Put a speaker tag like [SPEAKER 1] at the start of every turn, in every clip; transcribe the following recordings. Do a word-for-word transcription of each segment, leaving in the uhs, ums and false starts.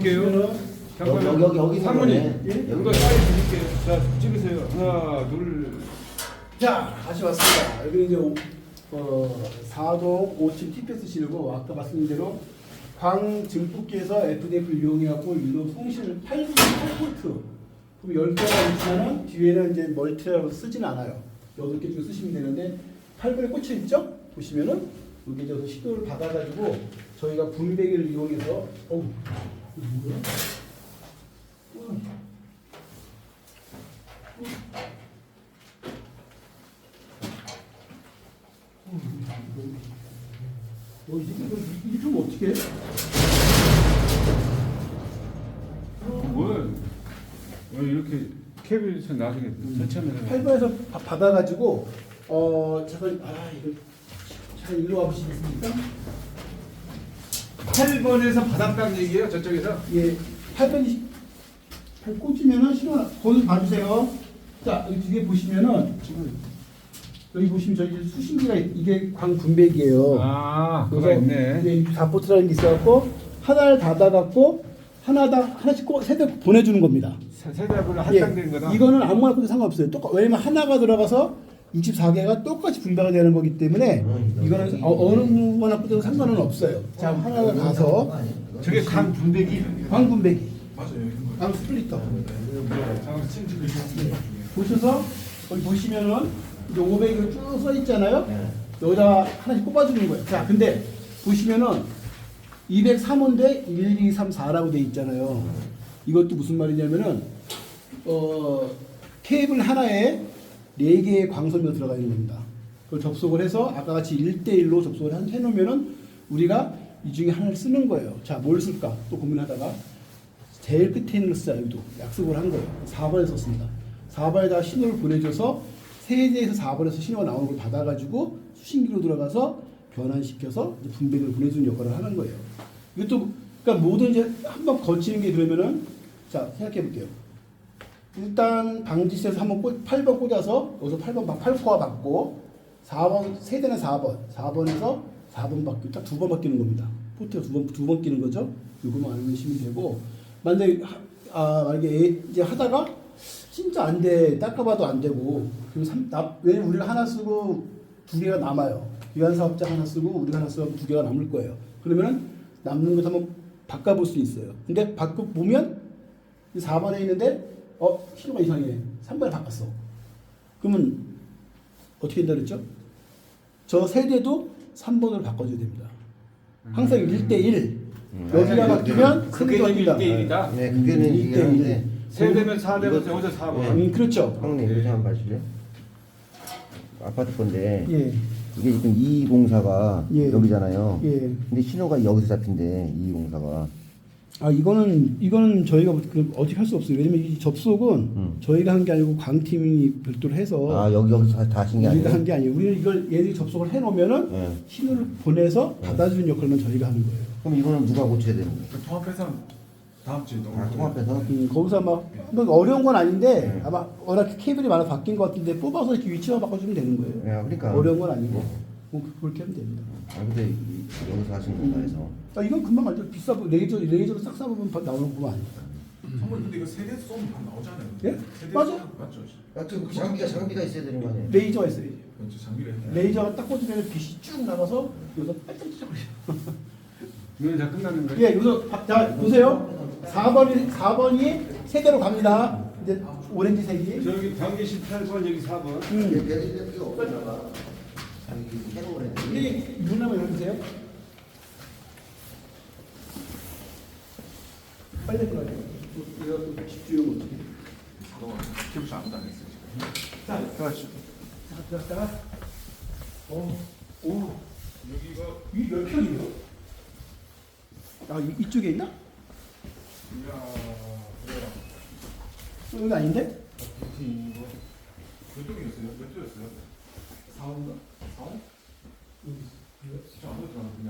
[SPEAKER 1] 드릴게요.
[SPEAKER 2] 여기 여기 여기 여기
[SPEAKER 1] 사모님,
[SPEAKER 2] 예?
[SPEAKER 1] 여기다 사인 드릴게요. 자, 찍으세요. 하나, 둘.
[SPEAKER 3] 자, 다시 왔습니다. 여기 이제 어, 사동 오 층 티피에스실이고 아까 말씀드린 대로 광증폭기에서 에프디에프를 이용해갖고 일로 송실 팔 볼트 그럼 열 개가 있지만은 뒤에는 이제 멀티라고 쓰진 않아요. 여덟 개 중에 쓰시면 되는데 팔 볼에 꽂혀 있죠? 보시면은 여기 이제 시도를 받아가지고 저희가 분배기를 이용해서 어우 이거 뭐야? 어. 어, 이게 이거 이게 좀 어떻게 해?
[SPEAKER 1] 뭘? 왜 이렇게 케이블에서 나중에 설치하면
[SPEAKER 3] 팔 번에서 받아가지고 어 잠깐 아 이거 잘 일로 와 보시겠습니까?
[SPEAKER 1] 팔 번에서 바닥단 얘기예요, 저쪽에서?
[SPEAKER 3] 예, 팔 번이 팔 꽂으면은 신호 거기 봐주세요. 자 여기 뒤에 보시면은 지금 여기 보시면 저기 수신기가 있- 이게 광 분배기예요.
[SPEAKER 1] 아, 그거 있네.
[SPEAKER 3] 네, 사 포트라는 게 있어갖고 하나를 닫아갖고 하나당 하나씩 꼭 세대 보내주는 겁니다.
[SPEAKER 1] 세- 세대별로
[SPEAKER 3] 예,
[SPEAKER 1] 할당된 거다.
[SPEAKER 3] 이거는 아무거나 꽂도 상관없어요. 똑같 왜냐면 하나가 들어가서 육십사 개가 똑같이 분배가 되는 거기 때문에 이거는 어, 어느 거나 꽂도 상관은 없어요. 자 하나가 가서
[SPEAKER 1] 저게 간 분배기.
[SPEAKER 3] 광 분배기,
[SPEAKER 1] 맞아요.
[SPEAKER 3] 광 스플리터
[SPEAKER 1] 자, 친구 드리겠습니다.
[SPEAKER 3] 보셔서 여기 보시면은 이제 오백이 쭉 써 있잖아요. 여기다 하나씩 꼽아주는 거예요. 자 근데 보시면은 이백삼 호인데 일, 이, 삼, 사라고 돼 있잖아요. 이것도 무슨 말이냐면은 어 케이블 하나에 네 개의 광선이 들어가 있는 겁니다. 그걸 접속을 해서 아까 같이 일 대 일로 접속을 한- 해놓으면은 우리가 이 중에 하나를 쓰는 거예요. 자, 뭘 쓸까? 또 고민하다가 제일 끝에 있는 걸 쓰자. 여기도 약속을 한 거예요. 사 번에 썼습니다. 사 번에다 신호를 보내줘서 세대에서 사 번에서 신호가 나오는 걸 받아가지고 수신기로 들어가서 변환시켜서 이제 분배를 보내주는 역할을 하는 거예요. 이것도 그러니까 모든 이제 한번 거치는 게 그러면은 자 생각해 볼게요. 일단 방지실에서 한번 꽂, 팔 번 꽂아서 여기서 팔 번 팔 코어 받고 사 번 세대는 사 번 사 번에서 사 번 바뀌고 딱 두 번 바뀌는 겁니다. 포트가 두 번 두 번 끼는 거죠. 이거만 알면 되고 만약에 하, 아 만약에 이제 하다가 진짜 안 돼 닦아봐도 안 되고 그럼 삼, 나, 왜 우리가 하나 쓰고 두 개가 남아요. 위안 사업자 하나 쓰고 우리가 하나 쓰고 두 개가 남을 거예요. 그러면은 남는 것 한번 바꿔볼 수 있어요. 근데 바꿔 보면 사 번에 있는데 어 신호가 이상해. 삼 번에 바꿨어. 그러면 어떻게 된다 그랬죠? 저 세대도 삼 번으로 바꿔줘야 됩니다. 항상 일 대 일.
[SPEAKER 2] 음.
[SPEAKER 3] 여기가 바뀌면
[SPEAKER 1] 그게
[SPEAKER 3] 승전이다.
[SPEAKER 1] 일 대 일이다.
[SPEAKER 2] 네, 그게는
[SPEAKER 3] 일 대
[SPEAKER 2] 이게 하는데
[SPEAKER 1] 세대면 사 대면
[SPEAKER 2] 이거-
[SPEAKER 1] 여기서 사 번.
[SPEAKER 2] 네.
[SPEAKER 3] 음, 그렇죠.
[SPEAKER 2] 형님 이거 한번 봐주실래요? 아파트 건데
[SPEAKER 3] 예.
[SPEAKER 2] 이게 지금 이이공사가
[SPEAKER 3] 예.
[SPEAKER 2] 여기잖아요.
[SPEAKER 3] 예.
[SPEAKER 2] 근데 신호가 여기서 잡힌대 이이공사가.
[SPEAKER 3] 아 이거는 이거는 저희가 그 어떻게 할 수 없어요. 왜냐면 이 접속은
[SPEAKER 2] 음.
[SPEAKER 3] 저희가 한 게 아니고 광팀이 별도로 해서
[SPEAKER 2] 아 여기 여기서 다 하신 게
[SPEAKER 3] 우리가
[SPEAKER 2] 아니에요?
[SPEAKER 3] 한 게 아니에요. 우리는 이걸 얘들이 접속을 해놓으면은
[SPEAKER 2] 네.
[SPEAKER 3] 신호를 보내서 받아주는 역할만 저희가 하는 거예요.
[SPEAKER 2] 그럼 이거는 누가 고쳐야 되는 거예요?
[SPEAKER 4] 통합해서 다음 주에
[SPEAKER 2] 아, 통합해서?
[SPEAKER 3] 음, 거기서 아마 뭐 어려운 건 아닌데
[SPEAKER 2] 네.
[SPEAKER 3] 아마 워낙 케이블이 많아 바뀐 것 같은데 뽑아서 이렇게 위치만 바꿔주면 되는 거예요.
[SPEAKER 2] 야, 그러니까.
[SPEAKER 3] 어려운 건 아니고 뭐 그렇게 하면 됩니다.
[SPEAKER 2] 아 근데 이- 여기서 하신 건가 해서.
[SPEAKER 3] 아, 이건 금방 알죠. 비싸 레이저 레이저로 싹 쏴보면 바- 나오는 거 보면 아니까.
[SPEAKER 4] 선물 근데 이거 세대 쏘면 다 나오잖아요.
[SPEAKER 3] 예?
[SPEAKER 4] 세대
[SPEAKER 3] 맞아.
[SPEAKER 4] 쏘면 맞죠?
[SPEAKER 2] 아, 그 장비가 장비가 있어야 되는 거 아니에요?
[SPEAKER 3] 레이저가 있어요.
[SPEAKER 4] 그렇죠. 장비를 해야
[SPEAKER 3] 레이저가 딱 꽂으면 빛이 쭉 나가서 여기서 반짝반짝거려.
[SPEAKER 1] 이거 다 끝나는 거예요?
[SPEAKER 3] 예, 여기서 바- 자 보세요. 사 번이 사 번이 세대로 갑니다. 이제 오렌지 색이.
[SPEAKER 1] 저기 방기실 팔 번 여기 사 번.
[SPEAKER 3] 음.
[SPEAKER 2] 얘들이 이거 없나 봐. 여기 새로운 애.
[SPEAKER 3] 이게 문 한번 열어주세요. 빨리 들어가요. 이거 집중을 어떻게?
[SPEAKER 4] 자동으로 케이블 아무도 안 했어요 지금.
[SPEAKER 3] 자,
[SPEAKER 4] 들어가시죠.
[SPEAKER 3] 자, 들어갔다가. 어, 오,
[SPEAKER 1] 여기가
[SPEAKER 3] 이게 몇 평이에요? 아, 이, 이쪽에 있나?
[SPEAKER 1] 이야 그래요.
[SPEAKER 3] 여기 아닌데?
[SPEAKER 1] 이거
[SPEAKER 4] 몇 동이었어요? 몇 도였어요? 사원인가? 사원? 진짜 아무도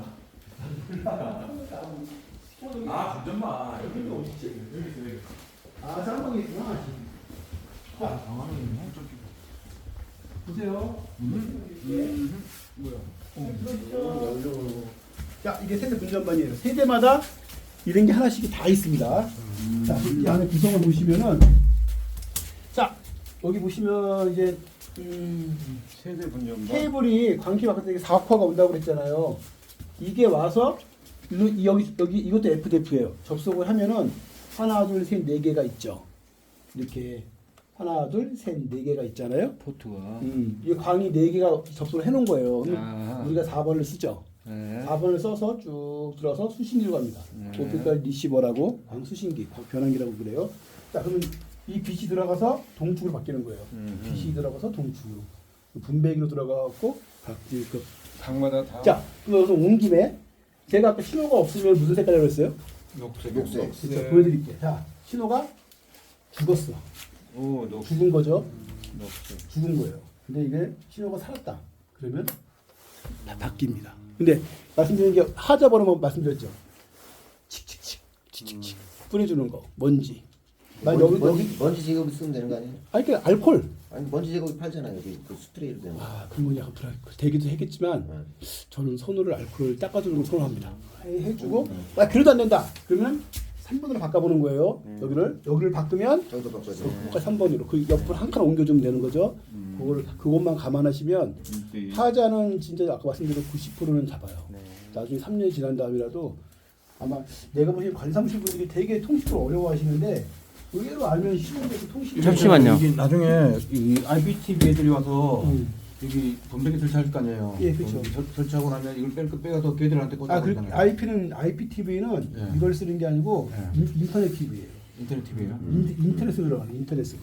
[SPEAKER 4] 들어가는 거냐? 아 감전마 여기 어디 있지? 여기 있어 여기.
[SPEAKER 3] 아, 쌍방이 있구나.
[SPEAKER 4] 아 방황이 있네 저기.
[SPEAKER 3] 보세요.
[SPEAKER 4] 음. 뭐야?
[SPEAKER 3] 어, 자, 이게 세대 분전반이에요. 세대마다 이런 게 하나씩 다 있습니다. 자, 이 안에 구성을 보시면은 자 여기 보시면 이제 음,
[SPEAKER 1] 세대 분전가.
[SPEAKER 3] 케이블이 광기 바깥에 사 호가 온다고 그랬잖아요. 이게 와서 일로 이- 여기 여기 이것도 에프디에프예요. 접속을 하면은 하나 둘 셋 네 개가 있죠. 이렇게 하나 둘 셋 네 개가 있잖아요.
[SPEAKER 2] 포트가.
[SPEAKER 3] 음, 이 광이 네 개가 접속을 해놓은 거예요. 그럼
[SPEAKER 2] 아.
[SPEAKER 3] 우리가 사 번을 쓰죠.
[SPEAKER 2] 네.
[SPEAKER 3] 사 번을 써서 쭉 들어서 수신기로 갑니다.
[SPEAKER 2] 네.
[SPEAKER 3] 오피컬 리시버라고 광 수신기, 광 변환기라고 그래요. 자, 그러면 이 빛이 들어가서 동축으로 바뀌는 거예요.
[SPEAKER 2] 음.
[SPEAKER 3] 빛이 들어가서 동축으로. 분배기로 들어가고 각질 그.
[SPEAKER 1] 방마다 다.
[SPEAKER 3] 자, 그래서 온 김에 제가 아까 신호가 없으면 무슨 색깔이라고 했어요?
[SPEAKER 1] 녹색.
[SPEAKER 2] 녹색.
[SPEAKER 3] 진짜 보여드릴게요. 자, 신호가 죽었어.
[SPEAKER 1] 오, 녹색.
[SPEAKER 3] 죽은 거죠.
[SPEAKER 1] 녹색.
[SPEAKER 3] 죽은 거예요. 근데 이게 신호가 살았다. 그러면 다 바뀝니다. 근데 말씀드린 게 하자 번호만 말씀드렸죠. 칙칙칙 칙칙칙 뿌려주는 거 먼지. 만 여기
[SPEAKER 2] 먼지,
[SPEAKER 3] 여기
[SPEAKER 2] 먼지 제거기 쓰면 되는 거 아니에요?
[SPEAKER 3] 아니 그 알콜.
[SPEAKER 2] 아니 먼지 제거기 팔잖아요. 여기 그 스프레이로 되는 거.
[SPEAKER 3] 아 그런 건 약간 불안. 되기도 했겠지만
[SPEAKER 2] 네.
[SPEAKER 3] 저는 손으로 알콜을 닦아주는 걸 선호합니다. 해, 해주고 아 그래도 안 된다. 그러면 삼 번으로 바꿔보는 거예요. 여기를 여기를 바꾸면
[SPEAKER 2] 저기도 바꿔야 돼.
[SPEAKER 3] 그거 삼 번으로 그 옆으로 한 칸 옮겨주면 되는 거죠. 그걸 그것만 감안하시면
[SPEAKER 1] 네.
[SPEAKER 3] 하자는 진짜 아까 말씀드린 구십 퍼센트는 잡아요.
[SPEAKER 2] 네.
[SPEAKER 3] 나중에 삼 년 지난 다음이라도 아마 내가 보기엔 관사무실 분들이 되게 통신을 어려워하시는데 의외로 알면 쉬운 데서 통신이
[SPEAKER 2] 잠시만요.
[SPEAKER 4] 이게 나중에 이 아이피티비 애들이 와서
[SPEAKER 3] 음.
[SPEAKER 4] 여기 분배기 설치할 거 아니에요.
[SPEAKER 3] 예, 그쵸.
[SPEAKER 4] 거기 설- 설치하고 나면 이걸 뺄 거 빼서 걔들한테
[SPEAKER 3] 아,
[SPEAKER 4] 꽂아
[SPEAKER 3] 그
[SPEAKER 4] 버리잖아요.
[SPEAKER 3] 아이피는 아이피티비는
[SPEAKER 4] 예.
[SPEAKER 3] 이걸 쓰는 게 아니고
[SPEAKER 4] 예.
[SPEAKER 3] 인, 인터넷 티비예요.
[SPEAKER 4] 인터넷 티비예요.
[SPEAKER 3] 인, 인터넷으로 들어가는 인터넷으로.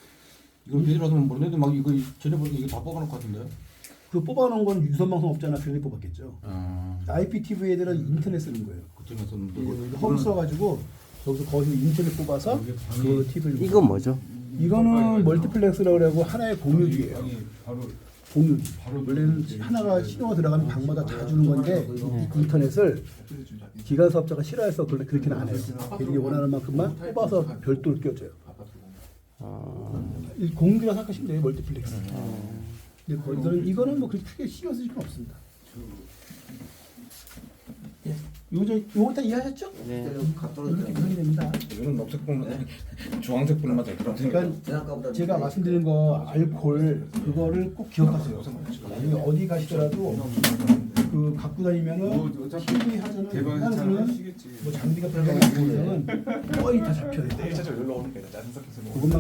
[SPEAKER 4] 이걸 걔들 와서 모르는데 막 이거 전에 보니까 이거 다 뽑아놓고 같은데.
[SPEAKER 3] 그 뽑아놓은 건 유선 방송 없잖아. 그게 뽑았겠죠.
[SPEAKER 4] 아,
[SPEAKER 3] 아이피티비 애들은 인터넷 쓰는 거예요.
[SPEAKER 4] 그쪽에서
[SPEAKER 3] 예, 홈 써가지고 여기서 거기서 인터넷 뽑아서 그 티비를.
[SPEAKER 2] 이건 뭐죠?
[SPEAKER 3] 이거는 멀티플렉스라고 그러고 하나의 공유기예요.
[SPEAKER 1] 방이 바로
[SPEAKER 3] 공유기.
[SPEAKER 1] 바로
[SPEAKER 3] 원래는 하나가 신호가 들어가면 방마다 다 주는 건데 인터넷을 기관 사업자가 싫어해서 그렇게- 그렇게는 안 해요. 걔들이 원하는 만큼만 뽑아서 별도로 껴줘요. 이 공유기라 생각하시면 돼요. 멀티플렉스. 근데 거기서는 이거는 뭐 그렇게 크게 신경 쓰실 건 없습니다. 예. 요거 요거 다 이해하셨죠?
[SPEAKER 2] 네.
[SPEAKER 3] 이렇게 구성이 됩니다.
[SPEAKER 4] 이거는 녹색 불만, 주황색 불만 잘 들어.
[SPEAKER 3] 그러니까 제가 말씀드린 거 알콜 그거를 꼭 기억하세요. 여기 어디 가시더라도 그 갖고 다니면은
[SPEAKER 1] 뭐 어차피
[SPEAKER 3] 티비 하자는
[SPEAKER 1] 대박이 잘
[SPEAKER 3] 향수는
[SPEAKER 1] 하시겠지.
[SPEAKER 3] 뭐 장비가 들어가는 이상은 거의 다 잡혀요.
[SPEAKER 5] 일차적으로 올라오는 게 짜증 섞여서
[SPEAKER 3] 그것만